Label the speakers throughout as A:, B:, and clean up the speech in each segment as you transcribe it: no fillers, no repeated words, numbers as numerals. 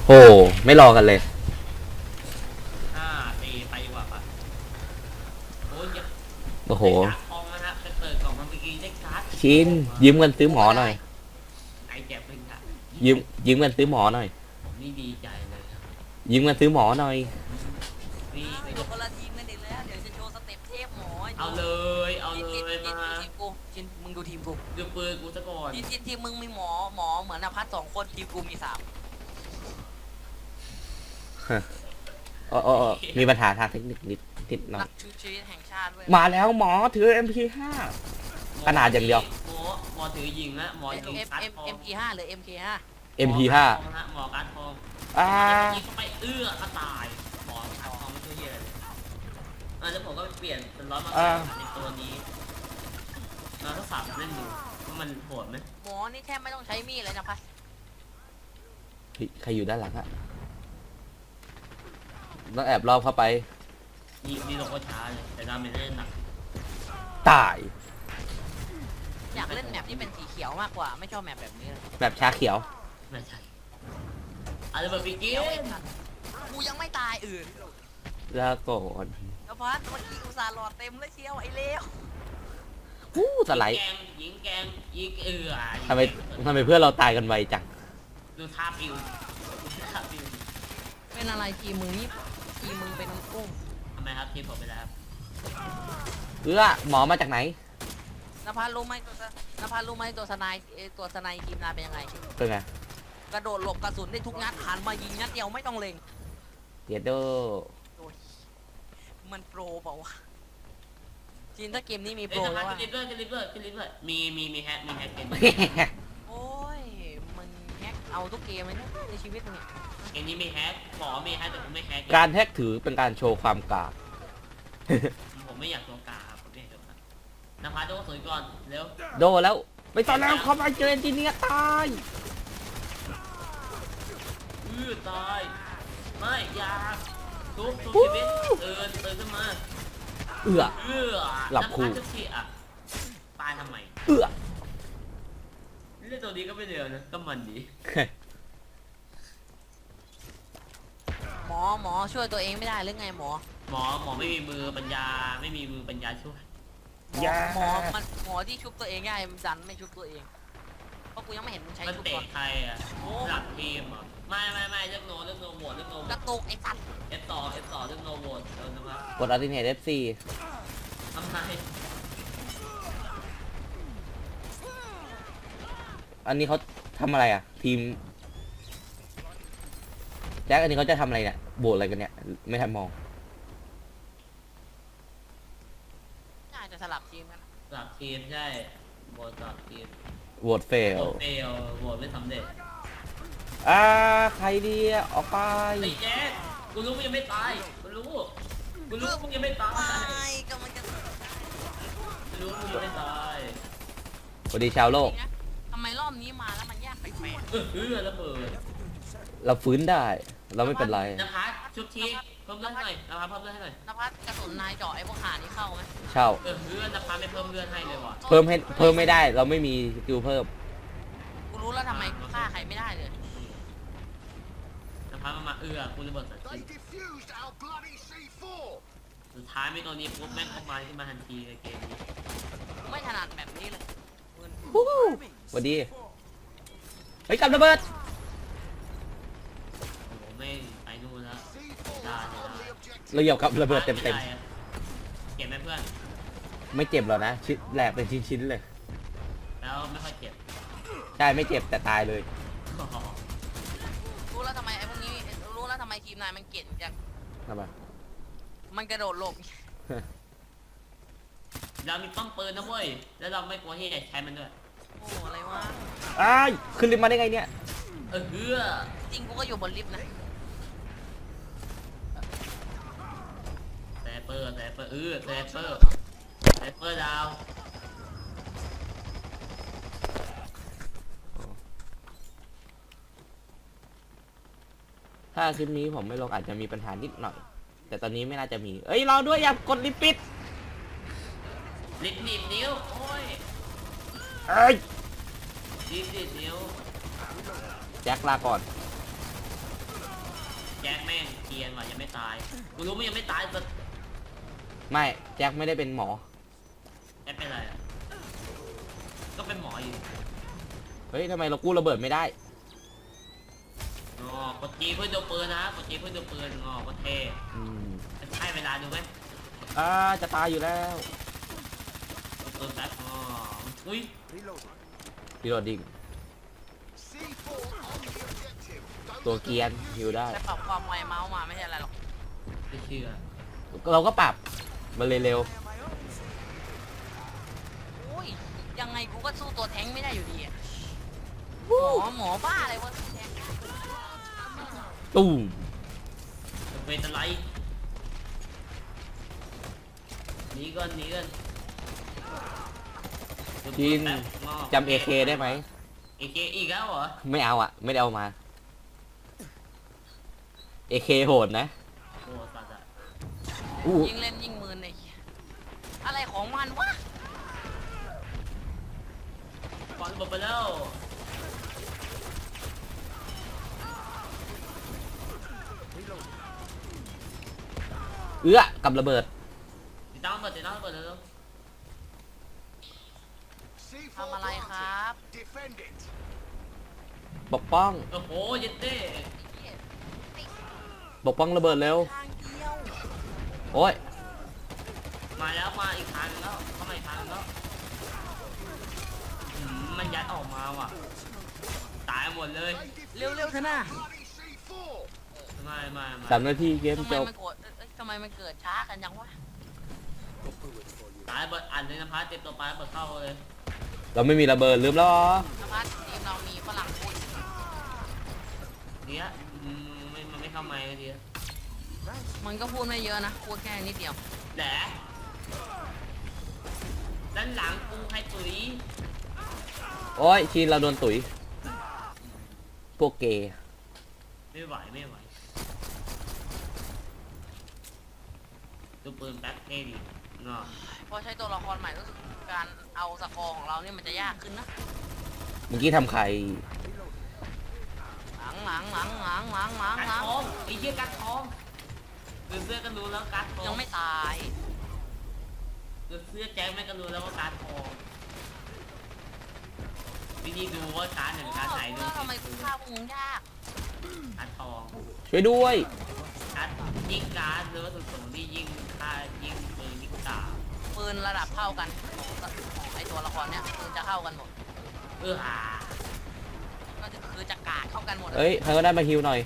A: โอ้ไม่รอกันเลย
B: ตีไปดีกว่าปะโอ้ย
A: โอ้โห
B: ทองนะฮะไปเปิดกล่องมาเมื่อกี้ได้การ์ด
A: ชินยืมเงินซื้อหมอหน่อย
B: ไอแจ็บเป็นค่ะ
A: ยืมเงินซื้อหมอหน่อย
B: ผมนี่ดีใจเลยครับ
A: ยืมเงินซื้อหมอหน่อย
B: นี่
C: อยู่คนละทีมกันอีกแล้วเดี๋ยวจะโชว์สเต็ปเทพหมอ
B: เอาเลยมา
C: ทีมกูชินมึงดูทีมกู
B: ดูปืนกูซะก่อน
C: ทีมมึงมีหมอเหมือนอภัส2 คนทีมกูมี3
A: อ๋อมีปัญหาทางเทคนิคนิดหน่อ
C: นั
A: ย
C: กชูชีวิตแห่งชาติด้วย
A: มาแล้วหมอถือ MP5 ขนาดอย่างเดียว
B: หมอถือยิงนะหมอยิงการ์ดทอง
C: MP5 หรือ MK5
A: MP5
B: หมอการ์ดทองยิงเข้าไปก็ตายหมอการ์ดทองไม่ช่วยเยอะเลยแล้วผมก็เปลี่ยนเป็นร้อยมาในตัวนี้เราทดสอบเล่นดูว่ามันโหดไหม
C: หมอนี่แทบไม่ต้องใช้มีดเลยนะพัส
A: ใครอยู่ด้านหลังอะต้องแอบรอบเข้าไป
B: นี่เราก็ช้าเลยแต่ดาเมจเล่นหนัก
A: ตาย
C: อยากเล่นแมปที่เป็นสีเขียวมากกว่าไม่ชอบแมปแบบนี้เลย
A: แบบชาเขียว
B: ไม่ใช่อะไรแบบปีกี้
C: กูยังไม่ตาย
A: แล้วก่อน
C: แล้วพัสเมื่อกี้อุตส่าห์หลอดเต็มเลยเชียวไอ้เลว
A: สไลด์
B: ยิงแกงยิง
A: ทำไมเพื่อนเราตายกันไวจัง
B: ดูท่าปิว
C: เป็นอะไรทีมึงนี่ทีมึงเป็นกุ้ง
B: ทำไมครับทีผมไปแล้วครับ
A: หมอมาจากไหน
C: นภัสรู้ไหมตัวสไนทีมนายเป็นยังไง
A: เป็นไง
C: กระโดดหลบกระสุนได้ทุกนัดหันมายิงนัดเดียวไม่ต้องเล็ง
A: เดี๋ยวดู
C: มันโปรเปล่าวะจีนถ้าเกมนี้มีโปรแล้ว
B: ว่าลิฟต์มีแฮกเกม
C: โอ้ยมันแฮกเอาทุกเกมเลยนะในชีวิตมึงเนี่ย
B: เกมนี้มีแฮกหมอมีแฮกแต่ผมไม่แฮก
A: การแฮกถือเป็นการโชว์ความกล้า
B: ผมไม่อยากตัวกาครับผมไม่อยากตัวกาน้ำพาโดสวยก่อนเร็ว
A: โดแล้วไม่ตอนแล้วเขาไปเจอเอนจิเนียร์ตาย
B: ตายไม่ยาทุบชีวิตตื่นขึ้นมา
A: หลับคู่
B: ตายทำไมเล่นตัวนี้ก็ไม่เร็วนะก็มันดี
C: หมอช่วยตัวเองไม่ได้หรือไงหมอ
B: ไม่มีมือปัญญาช่วย
C: หมอที่ชุบตัวเองได้มันดันไม่ชุบตัวเองเพราะกูยังไม่เห็นมึงใช้ชุบก่อน
B: ใครอ่ะหลักทีมอ่ะไม่เรื่องโนโหวต
C: กระตุกไอ้สัตว์
B: F2 เรื่องโนโหวตนะครับ
A: กดอัลติเนต F4
B: ทำไม
A: อันนี้เขาทำอะไรอ่ะทีมแจ็คอันนี้เขาจะทำอะไรเนี่ยโบดอะไรกันเนี่ยไม่ทันมอง
C: น่าจะสลับทีมกัน
B: สลับทีมใช่โหวตสลับทีม
A: โหวตเฟล
B: โหวตไม่สำเร็จ
A: ใครดีออกไป
B: ไอ้แจ๊คกูรู้มึงยังไม่ตายกูรู้มึงยังไม่ตาย
C: กำลังจะ
B: รู้มึงยังไม่ตาย
A: สวัสดีชาวโลก
C: ทำไมรอบนี้มาแล้วมันยากแปลก
B: ระเบิด
A: เราฟื้นได้เราไม่เป็นไร
B: นภัสชุบทีเพิ่มเลือดหน่อยนภัสเพิ่มเลือดให้หน่อย
C: นภัสกระสุนนายเจาะไอ้พวกหานี่เข้าไหม
A: เช่าน
B: ภัสไม่เพิ่มเลือดให้เลยว่ะ
A: เพิ่มไม่ได้เราไม่มีสกิลเพิ่ม
C: กูรู้แล้วทำไมฆ่าใครไม่ได้เลย
B: นภัสมากูระเบิดสุดท้ายไม่ตัวนี้ปุ๊บแม่งเข้ามาขึ้นมาทันทีในเกมนี้
C: ไม่ถนัดแบบนี้เลย
A: สวัสดีเฮ้ยกับระเบิด
B: ไม่ไปนู่นแล้ว
A: เราเหยียบกับระเบิดเต็ม
B: เก็บไหมเพื่อน
A: ไม่เจ็บหรอนะชิ้นแหลกเป็นชิ้นเลย
B: แล้วไม่ค่อยเจ็บ
A: ใช่ไม่เจ็บแต่ตายเลย
C: รู้แล้วทำไมไอ้พวกนี้รู้แล้วทำไมทีมนายมันเก่งจัง
A: ทำไม
C: มันกระโดดหลบ
B: เรามีป้อมปืนนะเว้ยแล้วเราไม่กลัวที่จะใช้มันด้วย
C: โอ้อะไรวะ
A: ขึ้นลิฟต์มาได้ไงเนี่ย
C: จริงกูก็อยู่บนลิฟต์นะ
B: แซปเปอร์ดาว
A: ถ้าคลิปนี้ผมไม่ลงอาจจะมีปัญหานิดหน่อยแต่ตอนนี้ไม่น่าจะมีเราด้วยอย่ากดลิฟต์ปิด
B: ลิฟต์หนีบนิ้วโอ้ยลิฟต์หนีบนิ้ว
A: แจ็คลาก่อน
B: จ็คแม่งเกรียนว่ะยังไม่ตายกูรู้มันยังไม่ตายแต่
A: ไม่แจ็คไม่ได้เป็นหมอ
B: แจ็คเป็นอะไรอะก็เป็นหมออยู่
A: เฮ้ยทำไมเรากู้ระเบิดไม่ได้
B: อ๋อกดจีเพื่อดูปืนนะกดจีเพื่อดูปืนอ๋อก็เท่
A: อืม
B: จะให้เวลาดูไหม
A: จะตายอยู่แล้ว
B: ดูปืนแป๊บอ๋ออุ้ย
A: พี่โรดดิ้งตัวเกรียนอยู่ได้
C: แต่ปรับความไวเมาส์มาไม่ใช่อะไรหรอก
B: ไม่เชื่อ
A: เราก็ปรับมันเลยเร็ว
C: โอ้ยยังไงกูก็สู้ตัวแท้งไม่ได้อยู่ดีอะหมอบ้าอะไรวะแท้ง
A: ตุ้ม
B: จะเป็นอะไรหนีก่อนหนีก่อน
A: จินจำ AK ได้ไหม
B: AK อีกแล้วเหรอ
A: ไม่เอาอ่ะ ไม่ได้เอามา AK โหดนะ
B: โอ้สัตว์อะ
A: อู้
C: ยิงเล่นยิงมือไอ้เหี้ยอะไรของมันวะ
B: ก่อนระเบิดไปแล้ว
A: กับระเบิด
B: ติดตั้งระเบิดติดตั้งระเบิดแล้ว
C: ทำอะไรครับ
A: ปกป้อง
B: โอ้โหเย็ดเต้
C: เหี้ย
A: ปกป้องระเบิดเร็ว
C: ทางเดียว
A: โอ้ย
B: มาแล้วมาอีกทางนึงแล้วเข้ามาอีกทางนึงแล้วมันยัดออกมาว่ะตายหมดเลย
C: เร็วๆเถอะนะ
B: ไม่
A: 3 นาทีเกม
C: ทำไม
A: จบ
C: มันโกรธทำไมมันเกิดช้ากันจังวะ
B: ตายเบิดอันเลยนะพัดเจ็บตัวไปเบิดเข้าเลย
A: เราไม่มีระเบิดลืมแล้วเหรอ
C: นภัสทีมเรามีฝรั่งพูด
B: เนี้ยมันไม่เข้าไม้เลยที
C: มันก็พูดไม่เยอะนะ พูดแค่นิดเดียว
B: แหละด้านหลังกูให้ตุ๋ย
A: โอ้ยชีนเราโดนตุ๋ย พวกเกย์
B: ไม่ไหวดูปืนแป๊บเท่ดีเนาะ
C: พอใช้ตัวละครใหม่รู้สึกการเอาสกอร์ของเราเนี่ยมันจะยากขึ้นนะ
A: เมื่อกี้ทำใคร
C: หลัง
B: การทองไอ้เหี้ยการทองดูเสื้อก็รู้แล้วการทอง
C: ยังไม่ตาย
B: ดูเสื้อแจ็คแม่ก็รู้แล้วว่าการทองวิธีดูว่าการหนึ่งการไหนดู
C: แล้วทำไมกูฆ่าพวกมึงยาก
B: การทอง
A: ช่วยด้วย
B: การยิงการหรือว่าสูงที่ยิงค่ายิงปืนยิงตา
C: ปืนระดับเท่ากันของไอตัวละครเนี่ยปืนจะเข้ากันหมด
B: หา
C: ก็คือจะกาดเข้ากันหมด
A: เอ้ยใครก็ได้มาฮิวหน่อย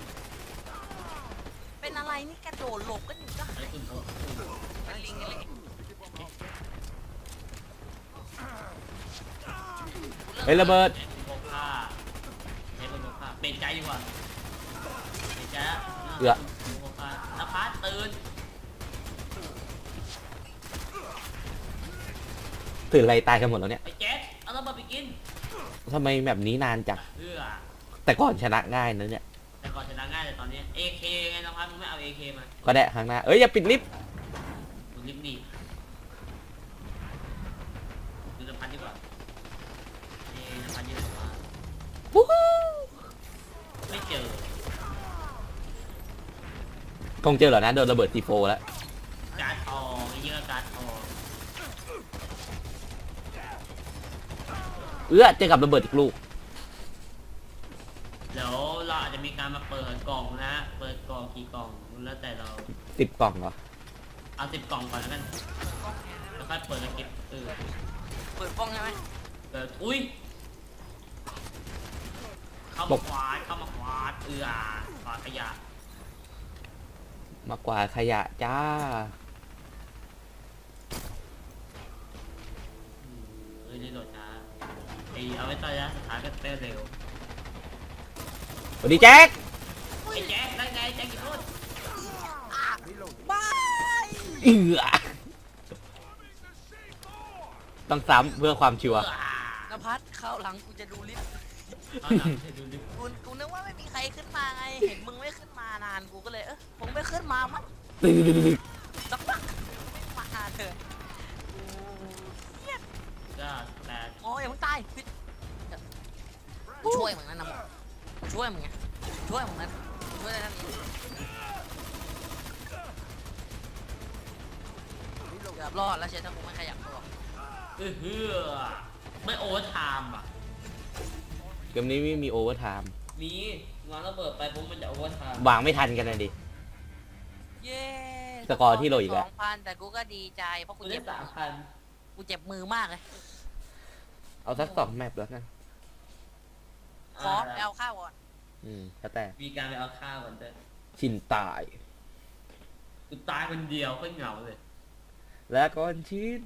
C: เป็นอะไรนี่กระโดดหลบกันอยู่ก็
B: ไอ้คุณพก
C: เป็นลิงกันเลย
A: เฮ้ยระเบิด
B: ไอ้คุณพกผ้าไอ้คุณพกผ้าเป็นใจดีกว่าเป็นใจละคุณพกผ้านภัสตื่น
A: ตื่นอะไรตายกันหมดแล้วเนี่ย
B: ไอ้แจ็คเอาระเบิดไปกิน
A: ทำไมแบบนี้นานจัง
B: อ
A: แต่ก่อนชนะง่ายนะเนี่ย
B: แต่ก่อนชนะง่ายแต่ตอนนี้ AK ไงนภัสมึงไม่เอา AK มา
A: ก็ได้ครั้งหน้า เอ้ยอย่าปิดลิฟต์
B: มึงรีบหนีดูนภัสดีกว่านภัสอยู่ไหนวะ
A: วู้ฮู้
B: ไม่เจอ
A: คงเจอเหรอนะโดนระเบิดทีโฟแล้ว
B: การ์ดทองไอ้เหี้ยการ์ดทอง
A: เจอกับระเบิดอีกลูก
B: เดี๋ยวเราอาจจะมีการมาเปิดกล่องนะ เปิดกล่องกี่กล่องแล้วแต่เรา
A: 10 กล่องเหรอ
B: เอา10 กล่องก่อนแล้วกันแล้วค่อยเปิดแล้วเก็บ
C: เปิดป้องใช่ไหม
B: เปิดอุ้ยเข้ามาขวาดขวาดขยะ
A: มากกว่าขยะจ้า
B: นี่โหลดช้าไอเอาไว้ตอนนี้สุดท้ายก็เต้นเร็ว
A: สวัสดีแจ็ค
B: ไอ้แจ็คได้ไงแจ็คกี่พูด
C: บาย
A: ต้องซ้ำเพื่อความชัวร์
C: นภัสเข้าหลังกูจะดูลิฟต์
B: เอาหลังให้ดูดิ
C: กูนึกว่าไม่มีใครขึ้นมาไง เห็นมึงไม่ขึ้นมานานกูก็เลยคงไม่ขึ้นมามั้งสักพักไม่มาเถอะกูเครียด
B: ก็แต่
C: โอ้ยอย่าเพิ่งตายพิษกูช่วยมึงนะนะมึงกูช่วยมึงไงช่วยมึงนะช่วยได้ทั้งนี้เกือบรอดแล้วเชฟถ้ากูไม่ขยับตัว
B: ฮือไม่โอเวอร์ไทม์อ่ะ
A: เกมนี้ไม่มีโอเวอร์ไทม์
B: มีงอนระเบิดไปปุ๊บมันจะโอเวอร์ไทม์
A: วางไม่ทันกันนะดิ
C: เย้
A: สกอร์ที่โหลอีกแล้ว
C: 2,000แต่กูก็ดีใจเพราะกู
B: กูได้
C: เจ็บ
B: 3,000
C: กูเจ็บมือมากเลย
A: เอาสัก2 แมปแล้วกัน
C: ขอไปเอาข้าวก่อน
A: แล้วแต่
B: มีการไปเอาข้าวกันเถอะ
A: ชินตาย
B: กูตายคนเดียวก็เหงาเลย
A: และก่อนชิน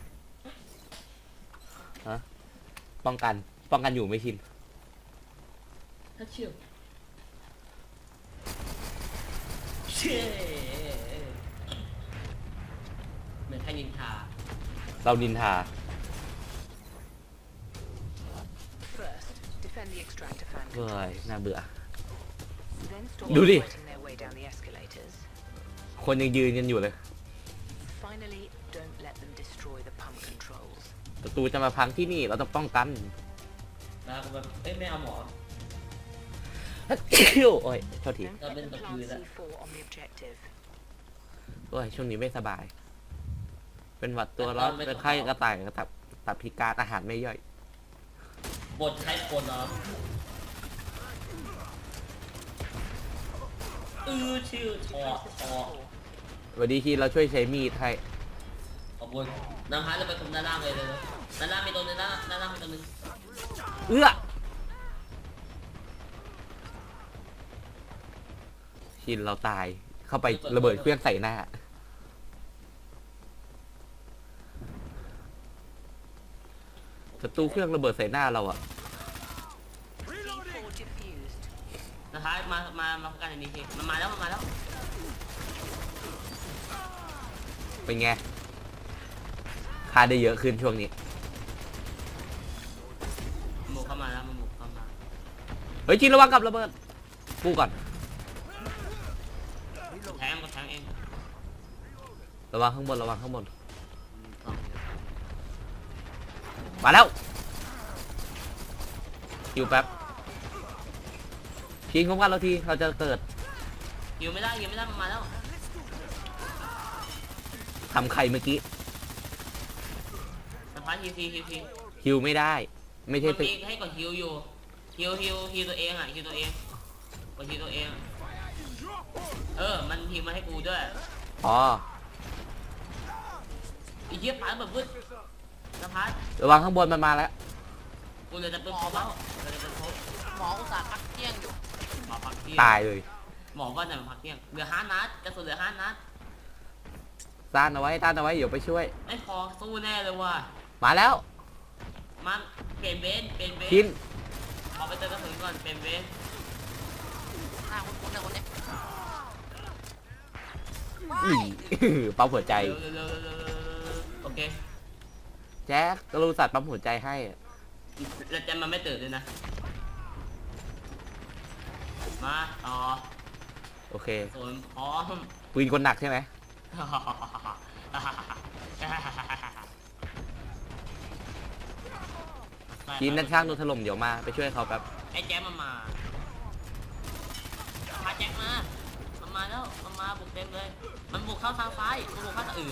A: ฮะป้องกันอยู่ไม่ชิน
B: ถ้าเชื่อเช่เหมือนให้ยินทา
A: เรานินทา
D: First, defend the extractor fan
A: เฮ้ย น่าเบื่อ
D: then stop
A: Do đi.
D: fighting their way down the escalators.
A: คนยังยืนกันอยู่เลย
D: Finally, don't let them destroy the pump controls.
A: ประตูจะมาพังที่นี่เราต้องป้องกัน
B: แล้วกูแบบเอ้ยไม่เอาหมอ
A: โอ้ยโทษที
D: Don't
B: I've
D: let
B: been
D: them
B: to
D: plant
B: do that.
D: C4 on the objective.
A: โอ้ยช่วงนี้ไม่สบาย เป็นหวัดตัวร้อนเป็นไข้กระต่ายกระตับพิการอาหารไม่ย่อย
B: บทใช้คนเนาะชื่อทอ
A: สวัสดีทีเราช่วยใช้มีดให้
B: ขอบคุณน้ำพายเราไปตรงด้านล่างเลยนะด้านล่างมีตัวนึงด้านล่างมีตัวนึง
A: เอื้อชินเราตายเข้าไประเบิดเครื่องใส่หน้าศัตรูเครื่องระเบิดใส่หน้าเราอะ
D: C4 diffused.
B: น้ำพายมาพบกันในนี้ทีมันมาแล้ว
A: เป็นไงค่าได้เยอะขึ้นช่วงนี้
B: มันบุกเข้ามาแล้วมันบุกเข้ามา
A: เฮ้ยชินระวังกับระเบิดกูก่อน
B: แทงก็แทงเอง
A: ระวังข้างบนระวังข้างบน
B: ต่อ
A: มาแล้วคิวแป๊บชินคุ้มกันเราทีเราจะเกิด
B: ยิวไม่ได้มันมาแล้ว
A: ทำใครเมื่อกี้
B: น้ำพายฮิว
A: คิวไม่ได้ ไม่ใช่
B: มัน
A: ตึก
B: มีให้กดฮิวอยู่ฮิวตัวเองอ่ะฮิวตัวเองกดฮิวตัวเองมันฮิวมาให้กูด้วย
A: อ๋อ
B: ไอ้เหี้ยปาแบบวึดน้ำพาย
A: ระวังข้างบนมันมาแล้ว
B: กูเลยจะเป็นพบแล้วเลยจะเป็นพบ
C: หมออุตส่าห์พักเที่ยงอยู่
B: หมอพักเที่ยง
A: ตายเลย
B: หมอก็จะมาพักเที่ยงเหลือ5 นัดกระสุนเหลือ5 นัด
A: ต้านเอาไว้เดี๋ยวไปช่วย
B: ไม่พอสู้แน่เลยว่ะ
A: มาแล้ว
B: มาเปลี่ยนเบน
A: ชิน
B: ขอไปเติมกระสุนก่อนเปลี่ยนเบน
C: หน้าคุ้นๆนะคนเนี้ย
A: อี ปั๊มหัวใจ
B: เร็วโอเค
A: แจ็คกรูสัตว์ปั๊มหัวใจให้
B: แล้วจะมาไม่ตื่นเลยนะมาต่อ
A: โอเค
B: ส่วนพร้อม
A: ปืนคนหนักใช่ไหมชินด้านข้างโดนถล่มเดี๋ยวมาไปช่วยเขาแป๊บ
B: ไอ้แจ๊คมาพาแจ๊คมามันมาแล้วมันมาบุกเต็มเลยมันบุกเข้าทางซ้ายมันบุกเข้าทาง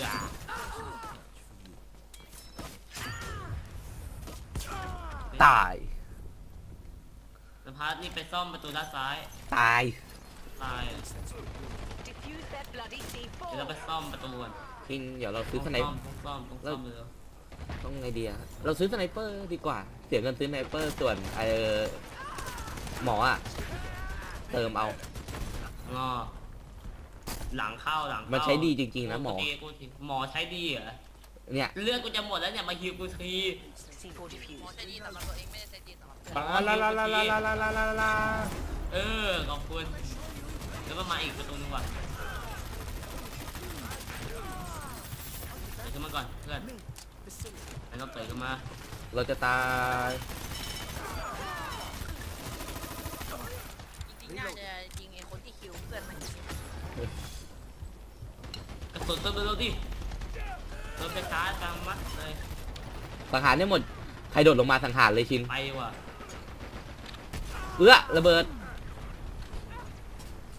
A: ตาย
B: สภาพนี่ไปซ่อมประตูด้านซ้าย
A: ตาย
B: ตาย
D: Diffuse that bloody
B: เดี๋ยวเรา
D: C4.
B: ไปซ่อมประตูก่อน
A: ชินเดี๋ยวเราซื้อสไน
B: ต้องซ่อมเลย
A: ต้องไงดีอะเราซื้อสไนเปอร์ดีกว่า เสียเงินซื้อสไนเปอร์ส่วนหมออะเติมเอา
B: งอหลังเข้า
A: มันใช้ดีจริงๆนะหมอ
B: หมอใช้ดีเหรอ
A: เนี่ย
B: เลือดกูจะหมดแล้วเนี่ยมาฮิวกูที
D: C4
C: หมอ
D: diffused.
C: ใช้ดีสำหรับตัวเองไม่ได้ใช้ดีสำหรับ
B: ขอบคุณแล้วก็มาอีกประตูนึงว่ะเดี๋ยวขึ้นมาก่อนเพื่อนแล้วก็เปิดขึ้นมา
A: เราจะตาย
C: จริงๆน่าจะยิงไอ้คนที่คิวเพื่อนมัน
B: กระสุนเติมเร็วๆดิเติมช้าๆกลางมัดเลย
A: สังหารได้หมด ใครโดดลงมาสังหารเลยชิน
B: ไปว่ะ
A: ระเบิด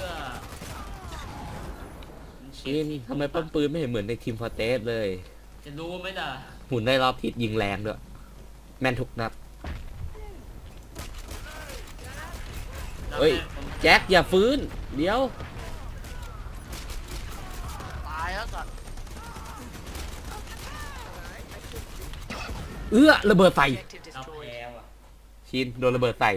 A: ชินทำไมป้อมปืนไม่เห็นเหมือนในทีมฟอร์เตสเลย
B: จะรู้ไหมล่ะ
A: หมุนได้รอบทิศยิงแรงด้วยแม่นทุกนัดเฮ้ยแจ็คอย่าฟื้นเดี๋ยว
C: ตายแล้วสัตว์
A: ระเบิดใส่
D: Objective
B: เรา
D: destroyed.
B: แพ้ว่ะ
A: ชินโดนระเบิดใส่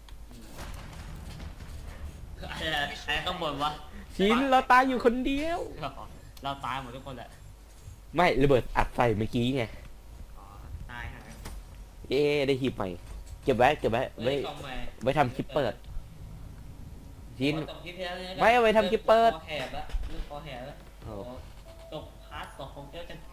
B: ไอ้ข้างบนวะ
A: ชินเราตายอยู่คนเดียว
B: เราตายหมดทุกคนแหละ
A: ไม่ระเบิดอัดใส่เมื่อกี้ไง
B: อ๋อตายฮะ
A: เอ๊ะได้หีบใหม่เก็บไว้ไว้
B: กล่องใหม่
A: ไว้ทำคลิปเปิดชิน
B: ตกคลิปที่แล้วเนี่ย
A: ไม่เอาไว้ทำคลิปเปิด
B: คอแหบละเรื่องคอแหบละ
A: โอ้
B: โอ้ตกพาร์ท2ของเจ้ากัน